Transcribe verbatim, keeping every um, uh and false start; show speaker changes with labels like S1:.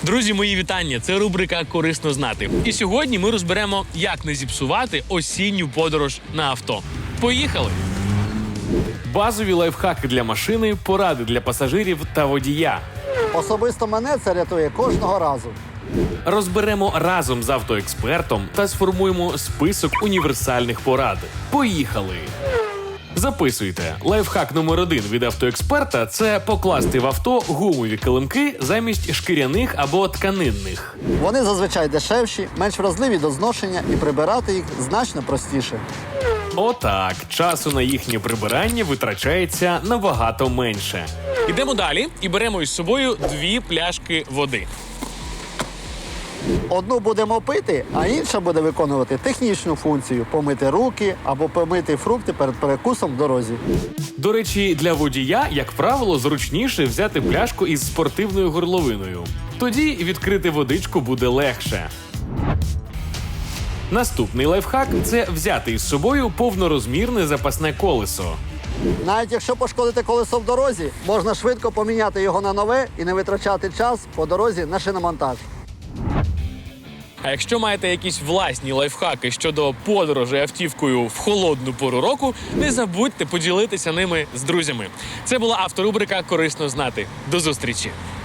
S1: Друзі, мої вітання! Це рубрика «Корисно знати». І сьогодні ми розберемо, як не зіпсувати осінню подорож на авто. Поїхали!
S2: Базові лайфхаки для машини, поради для пасажирів та водія.
S3: Особисто мене це рятує кожного разу.
S2: Розберемо разом з автоекспертом та сформуємо список універсальних порад. Поїхали! Записуйте. Лайфхак номер один від автоексперта – це покласти в авто гумові килимки замість шкіряних або тканинних.
S3: Вони зазвичай дешевші, менш вразливі до зношення і прибирати їх значно простіше.
S2: Отак, часу на їхнє прибирання витрачається набагато менше.
S1: Ідемо далі і беремо із собою дві пляшки води.
S3: Одну будемо пити, а інша буде виконувати технічну функцію – помити руки або помити фрукти перед перекусом в дорозі.
S2: До речі, для водія, як правило, зручніше взяти пляшку із спортивною горловиною. Тоді відкрити водичку буде легше. Наступний лайфхак – це взяти із собою повнорозмірне запасне колесо.
S3: Навіть якщо пошкодите колесо в дорозі, можна швидко поміняти його на нове і не витрачати час по дорозі на шиномонтаж.
S1: А якщо маєте якісь власні лайфхаки щодо подорожі автівкою в холодну пору року, не забудьте поділитися ними з друзями. Це була авторубрика «Корисно знати». До зустрічі!